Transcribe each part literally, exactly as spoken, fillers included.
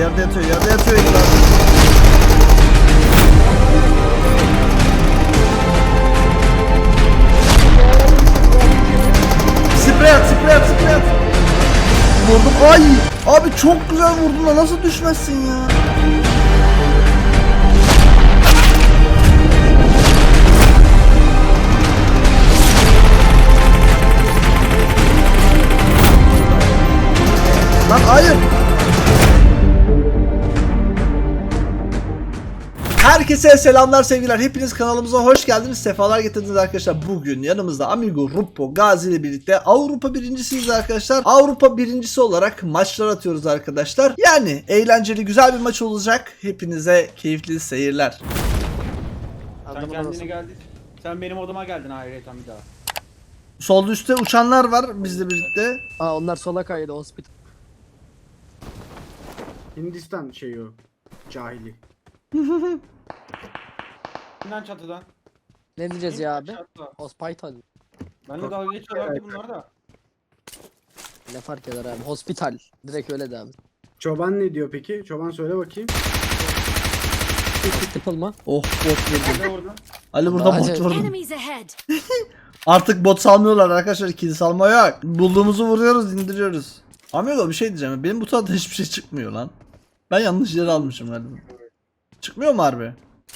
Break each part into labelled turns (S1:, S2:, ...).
S1: yerde yatıyor, yerde yatıyor Engin abi. Sprey at, sprey at, sprey at. Vurdum. Ay! Abi çok güzel vurdun da nasıl düşmezsin ya? Lan hayır. Herkese selamlar sevgiler. Hepiniz kanalımıza hoş geldiniz. Sefalar getirdiniz arkadaşlar. Bugün yanımızda Amigo, Ruppo, Gazi ile birlikte Avrupa birincisiyiz arkadaşlar. Avrupa birincisi olarak maçlar atıyoruz arkadaşlar. Yani eğlenceli güzel bir maç olacak. Hepinize keyifli seyirler.
S2: Sen kendine geldin. Sen benim odama geldin ayrıyeten bir daha.
S1: Solda üstte uçanlar var bizle birlikte.
S3: Aa onlar sola kaydı hospital.
S4: Hindistan şeyi o. Cahili.
S2: İnan çatıdan.
S3: Ne diyeceğiz ya abi?
S2: Çatıda.
S3: Hospital.
S2: Benle dalga geçiyorlardı bunlar da.
S3: Ne fark eder abi? Hospital. Direkt öyle de abi.
S4: Çoban ne diyor peki? Çoban söyle bakayım.
S3: Hospital mı?
S1: Oh bot vurdu.
S2: Ne vurdun?
S1: Ali burada
S3: Hadi.
S1: bot vurdu.
S5: Enemies ahead.
S1: Artık bot salmıyorlar arkadaşlar. İkili salma yok. Bulduğumuzu vuruyoruz, indiriyoruz. Amigo bir şey diyeceğim. Benim bu tarafta hiçbir şey çıkmıyor lan. Ben yanlış yere almışım galiba. Çıkmıyor mu harbi?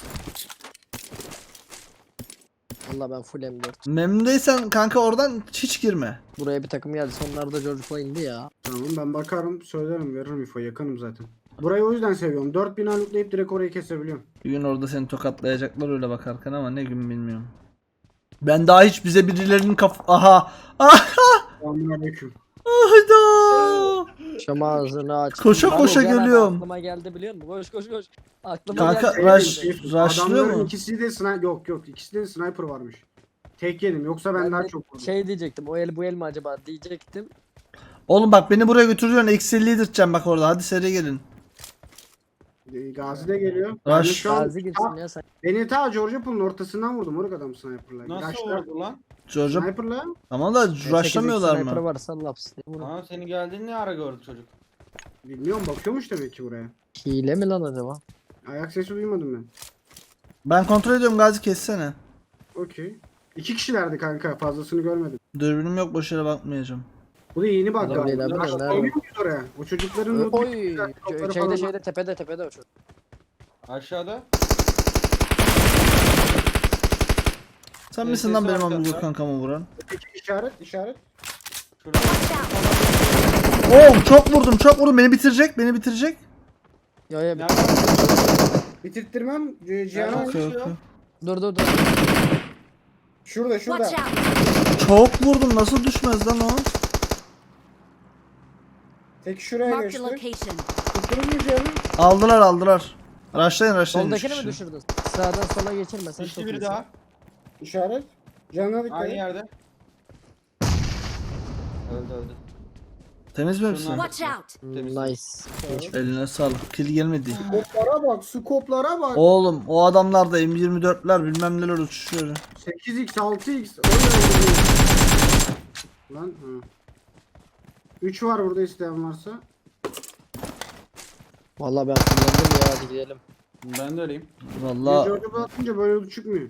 S3: Valla ben full M dört.
S1: Memnundaysan kanka oradan hiç girme.
S3: Buraya bir takım geldi. Sonlarda George'la indi ya.
S4: Tamam ben bakarım söylerim veririm info yakınım zaten. Burayı o yüzden seviyorum. dört bin aluklayıp direkt orayı kesebiliyorum.
S1: Bir gün orada seni tokatlayacaklar öyle bakarken ama ne gün bilmiyorum. Ben daha hiç bize birilerinin kaf... Aha! Aha!
S4: Selamünaleyküm.
S1: Hayda!
S3: Şam ağzını aç.
S1: Koşa
S3: Ben
S1: koşa
S3: o gelen
S1: geliyorum.
S3: Aklıma geldi biliyor musun? Koş koş koş. Aklıma
S1: Kanka,
S3: geldi.
S1: rush-
S4: Şey,
S1: rushlıyor
S4: adamların
S1: mu?
S4: ikisi de sniper yok yok ikisi de sniper varmış. Tek yedim yoksa ben,
S3: Ben
S4: daha
S3: de
S4: çok vurdum.
S3: şey diyecektim. O el bu el mi acaba diyecektim.
S1: Oğlum bak beni buraya götürüyorsun. Eksi elli yedirteceğim bak orada. Hadi seri gelin.
S4: Ee, Gazi de geliyor.
S1: Rush.
S4: Ben de şu an
S3: Gazi girsin ya sen.
S4: beni ta George Pool'un ortasından vurdum orada adam sniper'la.
S2: Nasıl
S4: Rush'lar-
S2: vurdu lan?
S1: George'a
S4: Sniper'la
S1: tamam da rushlamıyorlar
S3: Sniper
S1: mı?
S3: varsa laps diye vurun.
S2: Aa senin geldiğini ne ara gördü çocuk?
S4: bilmiyorum bakıyormuş demek ki buraya.
S3: Hile mi lan acaba?
S4: Ayak sesi duymadım ben.
S1: Ben kontrol ediyorum Gazi kessene.
S4: Okey. İki kişilerdi kanka fazlasını görmedim.
S1: Dürbünüm yok boş yere bakmayacağım.
S4: Bu da yeni bak
S3: Adam değil
S4: galiba.
S3: abi,
S4: Rush
S3: nerede?
S4: koyuyor muyuz oraya? O çocukların loot'u-
S3: Oy.
S4: lootları
S3: Şeyde
S4: falan-
S3: şeyde tepede tepede o çocuk.
S2: Aşağıda.
S1: Sen
S2: Evet,
S1: misin lan
S2: sesi
S1: benim
S2: var
S1: amigo
S2: zaten.
S1: kankamı vuran?
S4: Peki işaret işaret.
S2: Şurada.
S5: Watch out.
S1: Oo çok vurdum çok vurdum beni bitirecek beni bitirecek.
S3: Yo yo.
S2: Nerede?
S4: Bitirttirmem. C- Cihan'a
S2: Nerede?
S1: Okey okey.
S3: Dur dur dur.
S4: şurada şurada.
S5: Watch out.
S1: Çok vurdum nasıl düşmez lan o?
S4: Tek şuraya
S5: Marked a
S4: geçti.
S5: location.
S4: Tutturur mu Cihan'ı?
S1: Aldılar aldılar. Rushlayın rushlayın. üç
S3: Soldakini mi
S1: kişi.
S3: düşürdün? Sağdan sola geçirmesen
S2: İşte
S3: çok
S2: biri
S3: iyisin.
S2: daha.
S4: İşaret. Canına dikkat
S2: Aynı
S4: et.
S2: yerde. Öldü öldü.
S1: Temiz mi hepsi?
S2: Şunlar-
S5: Watch out.
S3: Hmm,
S2: Temiz.
S3: Nice.
S1: Eline sağlık. Kill gelmedi.
S4: Skoplara bak, skoplara bak.
S1: Oğlum o adamlar da M yirmi dörtler bilmem neler uçuşuyor.
S4: sekiz x, altı x. O ne öyle? Lan ha. üç var burada isteyen varsa.
S3: Vallahi ben kullandım ya hadi gidelim.
S2: Ben de öyleyim.
S1: Valla
S4: George'a atınca böyle yolu çıkmıyor.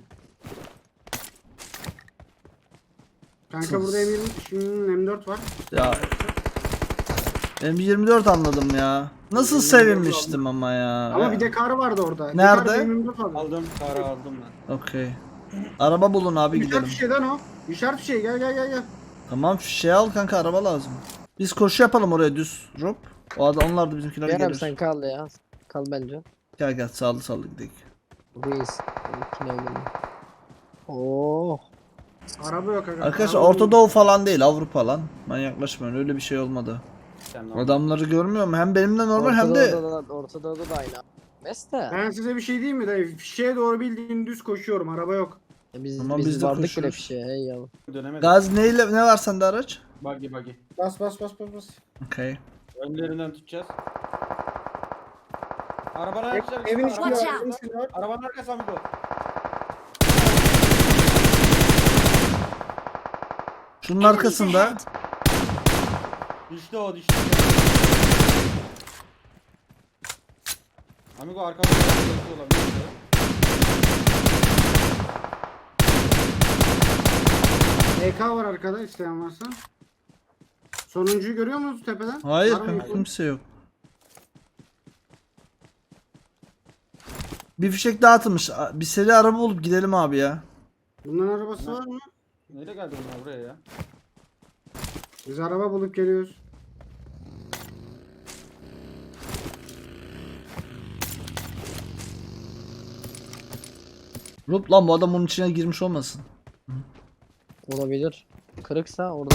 S4: Kanka burada M yirmi, şimdi M dört var.
S1: ya M yirmi dört anladım ya. Nasıl
S4: M yirmi dört
S1: sevinmiştim ama ya.
S4: Ama bir de kar vardı orada.
S1: Nerede?
S4: Bir kar M yirmi dört vardı.
S2: Aldım. Kara aldım ben.
S1: Okey. Araba bulun abi
S4: İşaret
S1: gidelim.
S4: fişeğden o. İşaret fişeği gel gel gel gel.
S1: Tamam şey al kanka araba lazım. Biz koşu yapalım oraya düz. Rup. O adam onlar da bizimkiler
S3: Gel abi
S1: gelir.
S3: sen kal ya. Kal bence.
S1: Gel gel sağlı sağlı gidelim.
S3: Reis. İkine oğlum. Oo.
S4: Araba yok aga.
S1: Arkadaşlar
S4: Araba
S1: Orta
S4: yok.
S1: Doğu falan değil Avrupa lan. Manyaklaşmayın öyle bir şey olmadı.
S2: Sen de
S1: Adamları görmüyor mu? Hem benimle normal hem de
S3: Ortada da, Ortada da aynı. Mesle.
S4: Ben size bir şey diyeyim mi dayı? Fişeğe doğru bildiğin düz koşuyorum. Araba yok.
S3: Biz,
S1: Tamam,
S3: biz,
S1: biz de
S3: vardık bile
S1: koşuyoruz.
S3: fişe hey yavrum.
S2: dönemedim.
S1: Gaz neyle ne var sende araç?
S2: Buggy buggy.
S4: Bas bas bas bas bas.
S1: Okey.
S2: Önlerinden tutacağız. Arabanın
S4: Ev-
S2: arkasına.
S4: Evin içinde
S5: Watch
S4: var.
S5: out.
S4: Evin içinde var.
S2: Arabanın arkası amigo.
S1: Şunun
S5: Enemies
S1: arkasında.
S5: ahead.
S2: Düştü o düştü. Amigo arkamda bir olabilir.
S4: E K var arkada isteyen varsa. Sonuncuyu görüyor musunuz tepeden?
S1: Hayır
S4: Var mı
S1: kanka
S4: info?
S1: kimse yok. Bir fişek daha atılmış. A- Bir seri araba bulup gidelim abi ya.
S4: Bunların arabası var mı?
S2: Nereye geldi bunlar buraya ya?
S4: Biz araba bulup geliyoruz.
S1: Rup lan bu adam bunun içine girmiş olmasın.
S3: Olabilir. Kırıksa orada.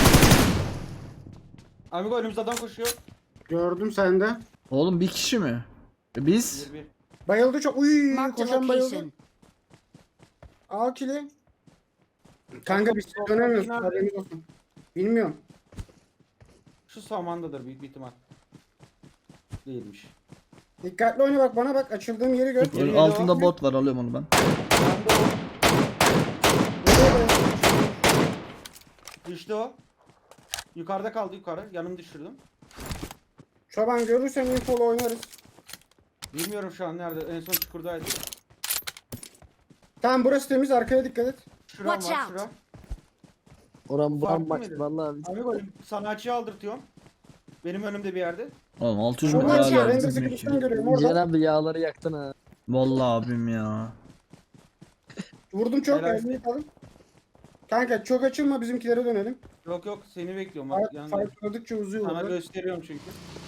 S2: Amigo önümüzde adam koşuyor.
S4: Gördüm sende.
S1: Oğlum bir kişi mi? E biz?
S2: Bir bir.
S4: Bayıldı çok. Uy,
S5: Marked a
S4: koşan bayıldı.
S5: location.
S4: Al kili. Kanka biz dönemiyoruz. Haberiniz olsun. Bilmiyorum.
S2: Şu samandadır büyük bir ihtimal. Değilmiş.
S4: Dikkatli oyna bak bana bak. Açıldığım yeri gör.
S2: Geri
S1: Altında
S2: geliyor.
S1: bot var, alıyorum onu ben.
S2: Ben de o.
S4: Nereye bayıldı?
S2: Düştü o. Yukarıda kaldı yukarı. Yanımı düşürdüm.
S4: Çoban görürsen infolu oynarız.
S2: Bilmiyorum şu an nerede. En son çukurdaydı.
S4: Tamam burası temiz. Arkaya dikkat et.
S2: Şuram
S5: Watch
S2: var
S5: out.
S2: şura.
S3: Oran
S2: Farklı
S3: buran bak
S2: mıydı?
S3: vallahi biz.
S2: Amigo sanatçıyı aldırtıyorum. Benim önümde bir yerde.
S1: Oğlum altı yüz
S4: Çoban
S1: metre
S4: ya.
S1: hala
S4: Ben de
S1: bizim
S4: sıkıştan
S1: iki.
S4: görüyorum
S3: Cihan
S4: orada.
S3: abi yağları yaktın ha.
S1: Vallahi abim ya.
S4: Vurdum çok.
S2: Helal.
S4: Elini yıkalım. Kanka çok açılma bizimkilere dönelim.
S2: Yok yok seni bekliyorum. Bak,
S4: Fight,
S2: yanında.
S4: fight gördükçe uzuyor.
S2: Sana
S4: orada.
S2: gösteriyorum çünkü.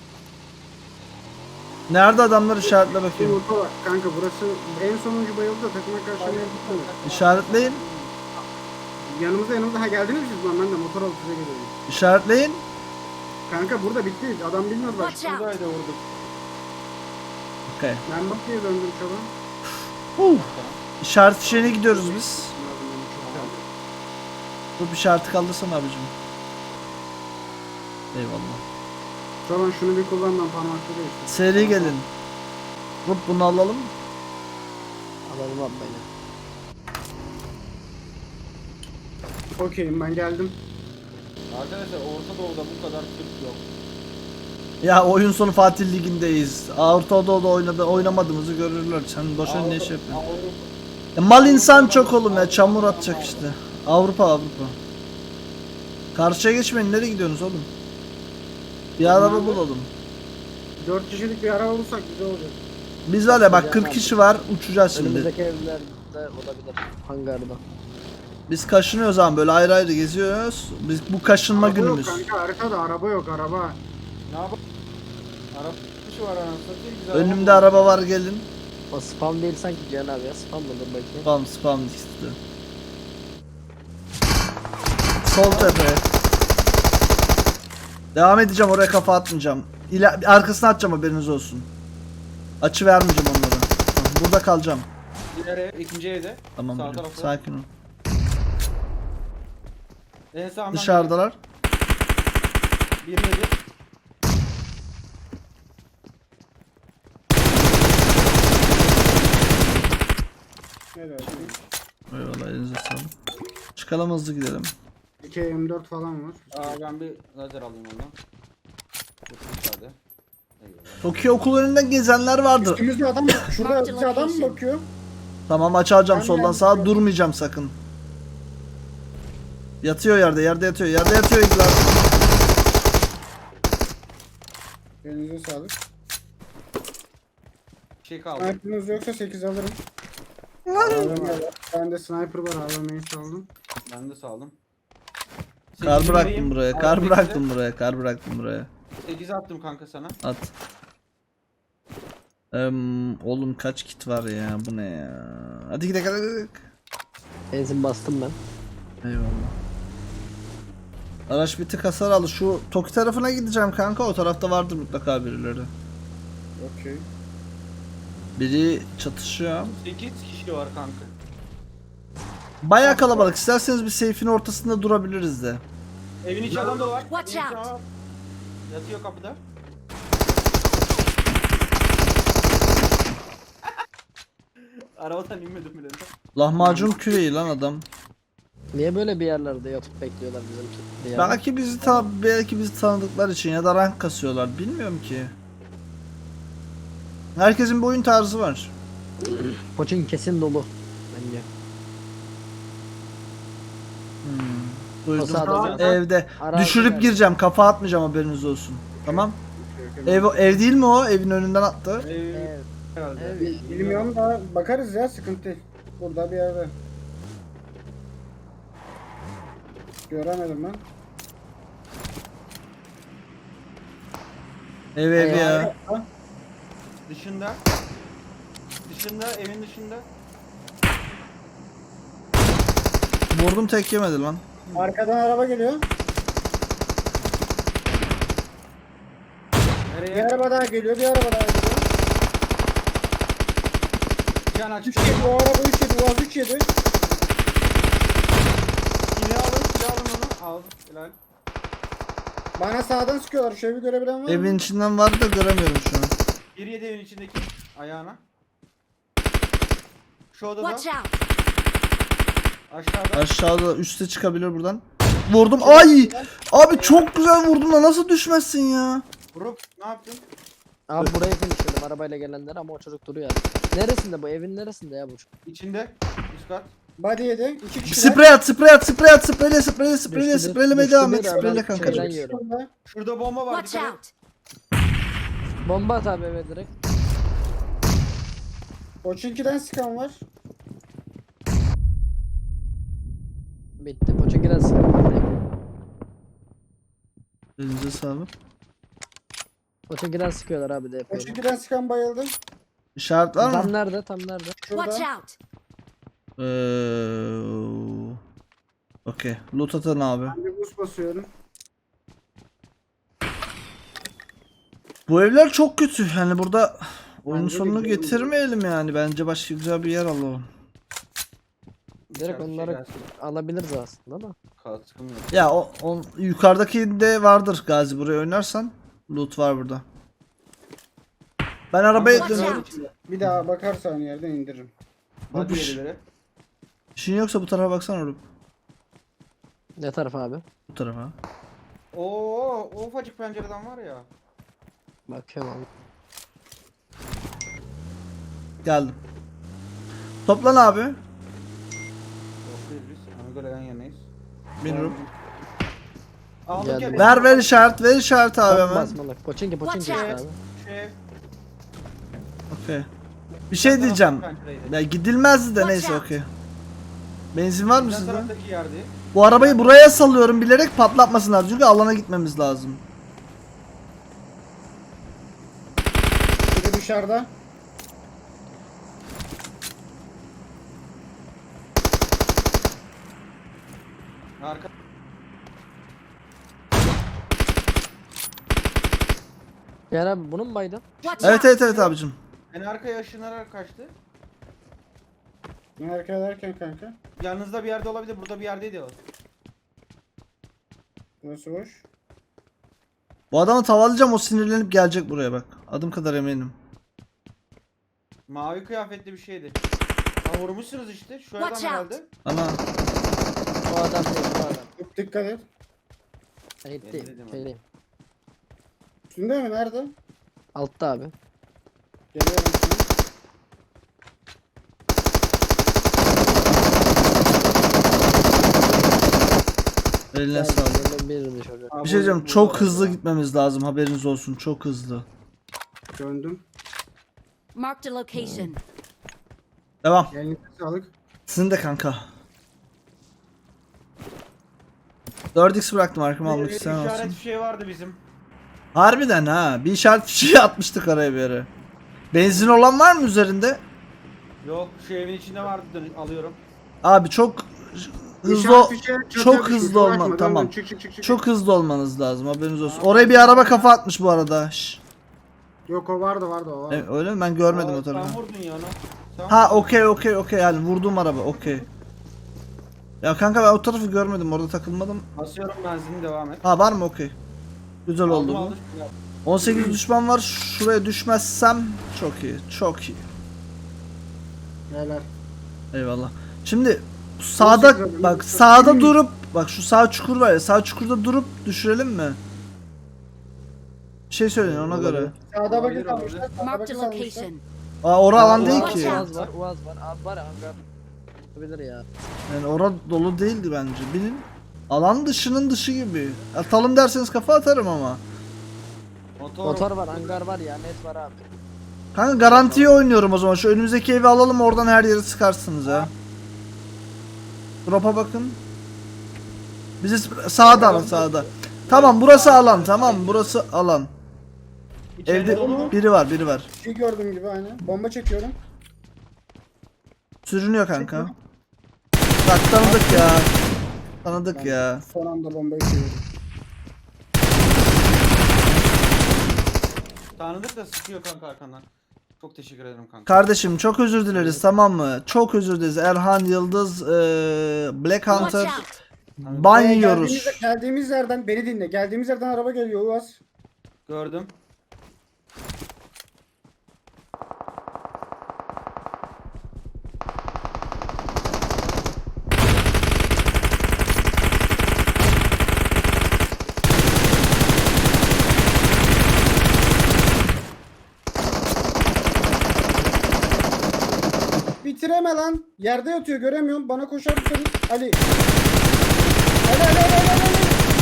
S1: Nerede adamlar, işaretle bakayım.
S4: Yumurta var. Kanka burası en sonuncu bayıldı da takıma karşı ne yapalım?
S1: İşaretleyin.
S4: Yanımızda yanımızda. Ha geldiniz mi siz lan? Ben de motor alıp size geliyorum.
S1: İşaretleyin.
S4: Kanka burada bitti. Adam bilmiyor bak.
S5: Watch out.
S2: Buradaydı vurduk.
S1: Okay.
S4: Ben bak diye döndüm çoban.
S1: Uh. İşaret şeyine gidiyoruz biz. Dur bir işareti kaldırsana abicim. Eyvallah.
S4: Çoban şunu bir kullan lan parmakta değiştir.
S1: Seri gelin. Rup bunu alalım.
S3: Alalım abi beni.
S4: Okeyim ben geldim.
S2: Arkadaşlar Orta Doğu'da bu kadar Türk yok.
S1: Ya oyun sonu Fatih Ligi'ndeyiz. Orta Doğu'da oynadı, oynamadığımızı görürler. Sen boşuna ne iş yapıyorsun?
S2: Avrupa-
S1: Ya mal insan çok oğlum ya, çamur atacak işte. Avrupa Avrupa. Karşıya geçmeyin, nereye gidiyorsunuz oğlum? Bir araba bulalım.
S4: Dört kişilik bir araba bulursak güzel olacak.
S1: Biz var ya bak kırk kişi var, uçacağız şimdi.
S3: Önümüzdeki evlerde olabilir. Hangarda.
S1: Biz kaşınıyoruz ama böyle ayrı ayrı geziyoruz. Biz bu kaşınma
S4: Araba
S1: günümüz.
S4: yok kanka haritada araba yok araba.
S2: Ne yapalım? Arap kişi var anasını satayım. Biz
S1: Önümde
S2: araba-
S1: araba var, gelin.
S3: O spam değil sanki Cihan abi ya. Spam mıdır bakayım.
S1: Spam spam işte. Sol tepe. Devam edeceğim, oraya kafa atmayacağım. İla arkasına atacağım, haberiniz olsun. Açı vermeyeceğim onlara. Tamam, burada kalacağım.
S2: Diğer ev, ikinci evde.
S1: Tamam
S2: Sağ
S1: hocam,
S2: tarafta.
S1: sakin ol.
S2: En sağından
S1: Dışarıdalar.
S2: Bir yedi.
S4: Evet.
S1: Eyvallah, elinize sağlık. Çıkalım, hızlı gidelim.
S4: iki M dört falan var.
S2: Aa ben bir lazer alayım ondan. Çok müsaade. Eyvallah.
S1: Tokyo okul önünden gezenler vardı.
S4: Üstümüzde adam bak. Şurada
S5: Marked
S4: bir adam mı
S5: location.
S4: bakıyor?
S1: Tamam, aç alacağım
S4: Ben
S1: soldan
S4: de
S1: sağa,
S4: yapıyorum.
S1: durmayacağım sakın. Yatıyor yerde, yerde yatıyor, yerde yatıyor İglar.
S4: Elinize sağlık.
S2: Bir şey kaldı.
S4: Sniper'ınız yoksa sekiz alırım. A V M var. Bende sniper var A V M'yi saldım.
S2: Ben de saldım.
S1: Kar
S2: Sekizi
S1: bıraktım
S2: vereyim.
S1: buraya,
S2: Al
S1: kar
S2: sekizi.
S1: bıraktım buraya, kar bıraktım buraya.
S2: sekizi attım kanka sana.
S1: At. Eee oğlum kaç kit var ya, bu ne ya? Hadi gidelim, hadi gidelim.
S3: Benzin bastım ben.
S1: Eyvallah. Araç bir tık hasar aldı. Şu Toki tarafına gideceğim kanka, o tarafta vardır mutlaka birileri.
S4: Okey.
S1: Biri çatışıyor.
S2: sekiz kişi var kanka.
S1: Bayağı kalabalık. İsterseniz bir seyfin ortasında durabiliriz de.
S2: Evin içi adam da var.
S5: Watch
S2: Evin içi
S5: out.
S2: adam var. Yatıyor kapıda. Arabadan inmedim bile.
S1: Lahmacun küreği lan adam.
S3: Niye böyle bir yerlerde yatıp bekliyorlar bizimki? Bir yerde?
S1: Belki bizi ta belki bizi tanıdıkları için ya da rank kasıyorlar. Bilmiyorum ki. Herkesin bir oyun tarzı var.
S3: Koçun kesin dolu. Bence.
S1: Duydum.
S3: O sağda.
S1: Evde.
S3: Arazi
S1: Düşürüp
S3: var.
S1: gireceğim. Kafa atmayacağım, haberiniz olsun. Tamam. Ev, ev değil mi o? Evin önünden attı.
S2: Ee,
S3: Evet.
S2: herhalde.
S3: Evet.
S4: Bilmiyorum da bakarız ya, sıkıntı değil. Burada bir yerde. Göremedim ben.
S1: Ev ev
S3: Eyvah.
S1: ya.
S2: Dışında. Dışında, evin dışında.
S1: Vurdum, tek yemedi lan.
S4: Arkadan araba geliyor. Bir
S2: Nereye?
S4: araba daha geliyor, bir araba daha geliyor.
S2: Can aç.
S4: üç yedi, o araba üç yedi, Uaz üç yedi.
S2: Silahı alın, silahı alın onu. Al. Helal.
S4: Bana sağdan sıkıyorlar, şu evi görebilen var mı?
S1: Evin içinden vardı da göremiyorum şu an.
S2: Bir yedi evin içindeki ayağına. Şu odada.
S5: Watch out!
S2: Aşağıda.
S1: Aşağıda, üste çıkabilir buradan. Vurdum. Ay! Abi çok güzel vurdun da nasıl düşmezsin ya?
S2: Vurup ne yaptın?
S3: Abi buraya finishledim arabayla gelenler ama o çocuk duruyor. Neresinde bu? Evin neresinde ya bu?
S2: İçinde. Üst kat.
S4: Body yedi, iki kişiler.
S1: Sprey at, sprey at, sprey at, spreyle, spreyle, spreyle,
S3: Düştü bir-
S1: spreylemeye
S3: düştü
S1: devam
S3: bir
S1: et,
S3: adam.
S1: spreyle kanka.
S3: Şeyden yiyorum.
S4: Şurada.
S2: Şurada bomba var.
S5: Watch
S2: dikkat et.
S5: out!
S3: Bomba at abi eve direkt.
S4: Koçinki'den sıkan var.
S3: Bitti. Poçinki'den sıkıntı.
S1: Elinize sağlık.
S3: Poçinki'den sıkıyorlar abi de yapıyorum.
S4: Koçinki'den sıkan bayıldı.
S1: İşaret var
S3: Tam
S1: mı?
S3: nerede? Tam nerede?
S5: Watch
S4: Şurada.
S5: out!
S1: Eee... Okey. Loot atın abi.
S4: Ben bir boost basıyorum.
S1: Bu evler çok kötü. Yani burada oyun
S4: Bence de
S1: sonunu
S4: güzel.
S1: getirmeyelim yani. Bence başka güzel bir yer alalım.
S3: Direkt
S2: İçeride şey
S3: onları
S2: gelsin.
S3: alabiliriz aslında da.
S2: Kaskım yok.
S1: Ya o, o yukarıdaki de vardır Gazi, buraya oynarsan. Loot var burada. Ben arabaya
S5: Watch
S1: dönüyorum.
S5: out!
S4: Bir daha bakarsan yerden indiririm.
S2: Hadi
S1: Yapış.
S2: yedileri.
S1: İşin yoksa bu tarafa baksana oğlum.
S3: Ne taraf abi?
S1: Bu tarafa.
S2: Oo, o ufacık pencereden var ya.
S3: Bakıyorum abi.
S1: Geldim. Toplan abi.
S2: Yoktayız biz. Amigo'yla yan yanayız.
S1: Bilmiyorum.
S2: Aldık
S3: Geldim.
S2: ya.
S1: Ver ver işaret, ver işaret abi
S3: Tam
S1: hemen.
S3: basmalık. Poçinki Poçinki
S5: Watch
S3: işte
S5: out.
S3: abi.
S2: Şu ev.
S1: Okey. Bir şey diyeceğim. Ya gidilmezdi de
S5: Watch
S1: neyse
S5: out.
S1: okey. Benzin var mı
S2: Bizden
S1: sizde?
S2: taraftaki yerde.
S1: Bu arabayı buraya salıyorum bilerek patlatmasınlar çünkü alana gitmemiz lazım.
S4: Biri dışarıda.
S2: Arka.
S3: Yani abi bunun mu baydın?
S5: Watch
S1: Evet
S5: out!
S1: evet evet abicim.
S2: En arkaya ışınlarak kaçtı.
S4: Ne hareket ederken kanka?
S2: Yanınızda bir yerde olabilir. Burada bir yerdeydi o.
S4: Burası boş.
S1: Bu adamı tavalayacağım, o sinirlenip gelecek buraya bak. Adım kadar eminim.
S2: Mavi kıyafetli bir şeydi. Ha, vurmuşsunuz işte. Şu adam
S5: Watch out.
S2: herhalde.
S1: Ana.
S3: O adam değil bu adam.
S4: Çok dikkat et.
S3: Ben
S2: Ben
S3: gitti.
S2: dedim abi.
S3: Şeydeyim.
S4: Üstünde mi? Nerede?
S3: Altta abi.
S4: Geliyorum sana.
S1: Eline
S3: Geldim,
S1: sağlık.
S3: geldim, birini çocuk.
S2: Ha,
S1: Bir şey
S2: bu-
S1: diyeceğim,
S2: bu
S1: çok
S2: var.
S1: hızlı gitmemiz lazım, haberiniz olsun, çok hızlı.
S4: Döndüm.
S5: Marked a location.
S1: Devam.
S4: Elinize sağlık.
S1: Sizin de kanka. dört x bıraktım arkama almak
S2: Bir
S1: isteyen
S2: işaret
S1: olsun.
S2: bir şey vardı bizim.
S1: Harbiden ha, bir işaret fişeği atmıştık araya bir yere. Benzin olan var mı üzerinde?
S2: Yok, şu evin içinde vardı. Dön- alıyorum.
S1: Abi çok hızlı
S4: İşaret fişeği çatıya
S1: çok
S4: düşmüş,
S1: hızlı
S4: uğraşma,
S1: olma,
S4: dön,
S1: tamam.
S4: dön, çık, çık, çık, çık.
S1: Çok hızlı olmanız lazım, haberiniz olsun. Oraya bir araba kafa atmış bu arada. Şş.
S4: Yok, o vardı vardı o vardı.
S1: E, öyle mi? Ben görmedim
S2: Aa,
S1: o tarafı.
S2: Sen vurdun ya onu. Sen
S1: Ha
S2: vurdun.
S1: okey okey okey, yani vurduğum araba okey. Ya kanka ben o tarafı görmedim, orada takılmadım.
S2: Basıyorum benzini, devam et.
S1: Ha var mı, okey. Güzel oldu
S2: Aldım,
S1: bu.
S2: aldım.
S1: on sekiz düşman var, şuraya düşmezsem çok iyi, çok iyi.
S4: Helal.
S1: Eyvallah. Şimdi sağda bak, sağda durup bak, şu sağ çukur var ya, sağ çukurda durup düşürelim mi? Bir şey söyleyin ona göre.
S4: Sağda
S2: Olabilir,
S4: bakın kalmışlar.
S2: olabilir.
S4: Sağda
S5: Marked
S4: bakın
S5: a
S4: kalmışlar.
S5: location.
S1: Aa ora alan değil
S5: Watch
S1: ki.
S5: out.
S3: Uaz var, Uaz var. Abi var ya hangar. Olabilir ya.
S1: Yani ora dolu değildi bence. Bilin. Alan dışının dışı gibi. Atalım derseniz kafa atarım ama.
S2: Motor.
S3: Motor var, hangar var ya, net var abi.
S1: Kanka garantiye oynuyorum o zaman. Şu önümüzdeki evi alalım, oradan her yeri sıkarsınız ha. Drop'a bakın. Bizi sağda alın, sağda. Tamam burası alan, tamam burası alan.
S2: İçeride
S1: Evde
S2: dolu mu?
S1: biri var, biri var.
S4: Bir şey gördüğüm gibi aynen. Bomba çekiyorum.
S1: Sürünüyor kanka. Bak tanıdık ya. Tanıdık ya.
S4: Son anda bombayı çekiyorum.
S2: Tanıdık da sıkıyor kanka arkandan. Çok teşekkür ederim kanka.
S1: Kardeşim çok özür dileriz, tamam mı? Çok özür dileriz. Erhan Yıldız, eee, Black
S5: Watch
S1: Hunter
S5: out.
S1: ban
S4: Ee,
S1: yiyoruz.
S4: Geldiğimiz, geldiğimiz yerden beni dinle. Geldiğimiz yerden araba geliyor Uaz.
S2: Gördüm.
S4: Bitireme lan. Yerde yatıyor göremiyorum. Bana koşar mısın? Ali. Ali Ali Ali Ali Ali.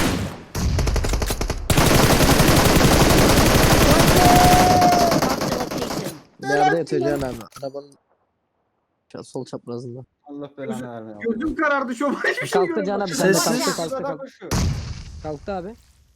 S5: Marked a location.
S3: Yerde yatıyor Cihan abi. Arabanın şu sol çaprazında.
S2: Allah belanı vermiyor.
S4: Gözüm karardı şu an. Hiçbir şey
S3: Kalktı Cihan abi,
S4: görmüyorum.
S3: sen de
S1: Sessiz.
S3: kalktı kalktı
S2: Adam
S3: kalktı.
S2: koşuyor.
S3: Kalktı abi.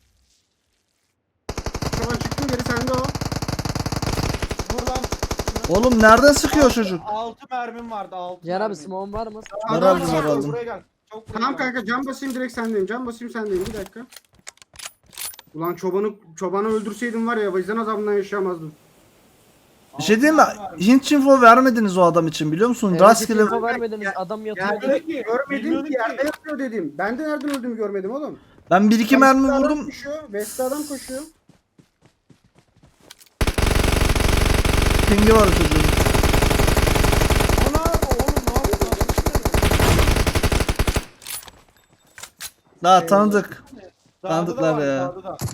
S4: Şu an çıktım geri sende o.
S2: Vur lan.
S1: Oğlum nereden sıkıyor çocuk?
S2: altı mermim vardı altı
S3: Cihan abi
S2: mermim.
S3: smoke'un var mı?
S1: Var
S4: Adam-
S1: aldım, var aldım.
S2: Buraya gel. Çok buraya
S4: Tamam
S2: gel.
S4: kanka can basayım direkt sendeyim. Can basayım sendeyim bir dakika. Ulan çobanı çobanı öldürseydim var ya vicdan azabından yaşayamazdım.
S1: Bir şey diyeyim mi? Hint info vermediniz o adam için, biliyor musun?
S3: Evet,
S1: Rastgele
S3: info vermediniz, adam yatıyor.
S4: Yerde
S2: Görmedim ki,
S4: görmedim
S2: bilmiyordum
S4: ki yerde
S2: ki.
S4: yatıyor dedim. Ben de nereden öldüğümü görmedim oğlum.
S1: ben bir iki mermi
S4: West'te adam
S1: vurdum.
S4: Koşuyor. West'te adam koşuyor.
S1: Pingi var o çocuğun.
S2: Ana oğlum ne yapıyorsun?
S1: Daha tanıdık.
S2: Dağda da
S1: Tanıdıklar
S2: var,
S1: ya.
S2: dağda da.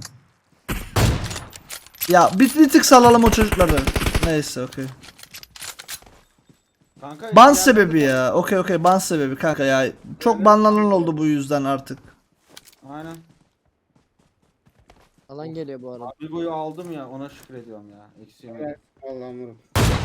S1: Ya bir, bir tık salalım o çocukları. Neyse okey.
S2: Kanka,
S1: Ban
S2: yani-
S1: sebebi ya. Okey okey ban sebebi kanka ya. Çok banlanan oldu bu yüzden artık.
S2: Aynen.
S3: Alan geliyor bu arada.
S2: Amigo'yu aldım ya ona şükür ediyorum ya. Eksiğim.
S4: Evet. Allah'ım vurum.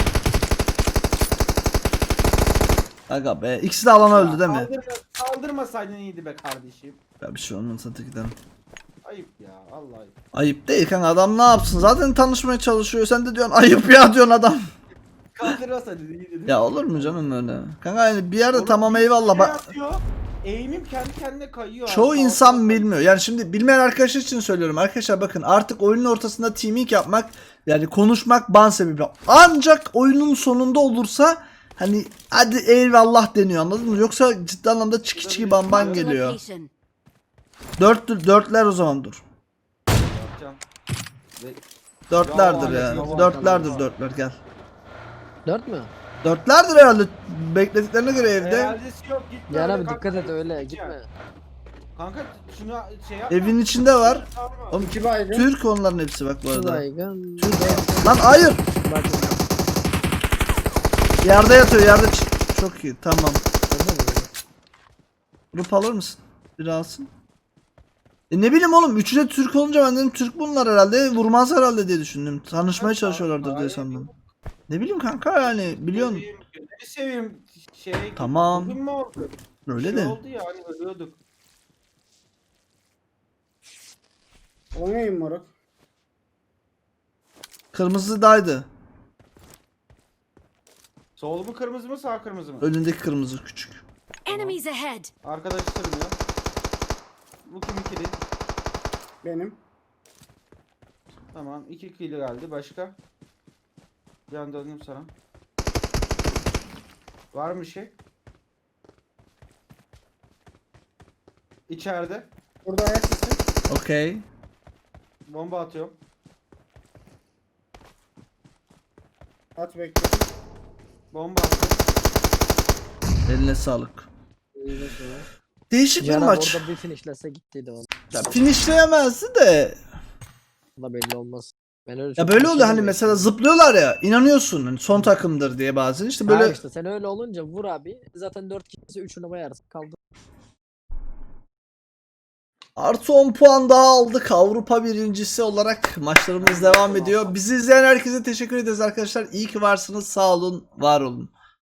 S1: Aga be. İkisi de alana öldü değil mi?
S2: Kaldırma, kaldırmasaydın iyiydi be kardeşim.
S1: Ya bir şey olmaz hadi gidelim.
S2: Ayıp ya vallahi.
S1: Ayıp değil kanka, adam ne yapsın? Zaten tanışmaya çalışıyor. Sen de diyorsun ayıp ya diyorsun adam.
S2: Kaldırmasaydın iyiydi.
S1: Ya olur mu canım öyle? Kanka yani bir yerde
S2: Oğlum,
S1: tamam
S2: bir
S1: eyvallah
S2: şey
S1: bak.
S2: atıyor, Eğimim kendi kendine kayıyor.
S1: Çoğu
S2: abi.
S1: insan
S2: Sağ-
S1: bilmiyor. Yani şimdi bilmeyen arkadaşlar için söylüyorum. Arkadaşlar bakın, artık oyunun ortasında teaming yapmak, yani konuşmak ban sebebi. Ancak oyunun sonunda olursa hani hadi eyvallah deniyor, anladın mı? Yoksa ciddi anlamda çiki çiki ban ban
S5: Marked a
S1: geliyor.
S5: location.
S1: Dört, dörtler o zaman dur.
S2: Yapacağım. Ve-
S1: Dörtlerdir
S2: Ya,
S1: ya.
S2: ya.
S1: Dörtlerdir dörtler gel.
S3: Dört mü?
S1: Dörtlerdir herhalde beklediklerine göre evde.
S2: Eğerdesi yok gitme.
S3: Cihan
S2: öyle
S3: abi
S2: kanka,
S3: dikkat et öyle
S2: gitme.
S3: gitme.
S2: Kanka şunu şey yap.
S1: Evin içinde var. Oğlum,
S4: İki baygın.
S1: Türk onların hepsi bak bu arada.
S3: Baygın.
S1: Lan hayır.
S3: Bak.
S1: Yerde yatıyor yerde. ç- Çok iyi tamam. Grup alır mısın? Bir alsın. E ne bileyim oğlum, üçü de Türk olunca ben dedim Türk bunlar herhalde, vurmaz herhalde diye düşündüm. Tanışmaya çalışıyorlardır diye sandım. Ne bileyim kanka yani biliyorsun.
S2: Seveyim, gözünü seveyim şey.
S1: Tamam.
S2: Bugün mü oldu?
S1: Öyle
S2: şey
S1: de.
S2: oldu ya hani ölüyorduk.
S4: Oynayayım moruk.
S1: Kırmızıdaydı.
S2: Sol mu kırmızı mı sağ kırmızı mı?
S1: Önündeki kırmızı küçük.
S5: Enemies ahead.
S2: Arkadaş sürünüyor. Bu kim ikili?
S4: Benim.
S2: Tamam iki ikili geldi başka. Can döndüm sana. Var mı bir şey? İçeride.
S4: Burada ayak sesi.
S1: Okey.
S2: Bomba atıyorum.
S4: At bekle.
S2: Bomba attım.
S1: Eline sağlık.
S4: İyi sonra.
S1: Değişik bir
S3: Cihan abi
S1: maç.
S3: orada bir finishlese gittiydi o.
S1: Ya finishleyemezdi de.
S3: da belli olmaz. Ben öyle
S1: Ya
S3: çok
S1: böyle oluyor hani
S3: düşünemiyorum.
S1: mesela zıplıyorlar ya, inanıyorsun hani son takımdır diye bazen işte
S3: Böyle...
S1: böyle
S3: işte sen öyle olunca vur abi. Zaten dört kişi üçünü bayarsın. Kaldı.
S1: artı on puan daha aldık. Avrupa birincisi olarak maçlarımız devam ediyor. Bizi izleyen herkese teşekkür ederiz arkadaşlar. İyi ki varsınız. Sağ olun, var olun.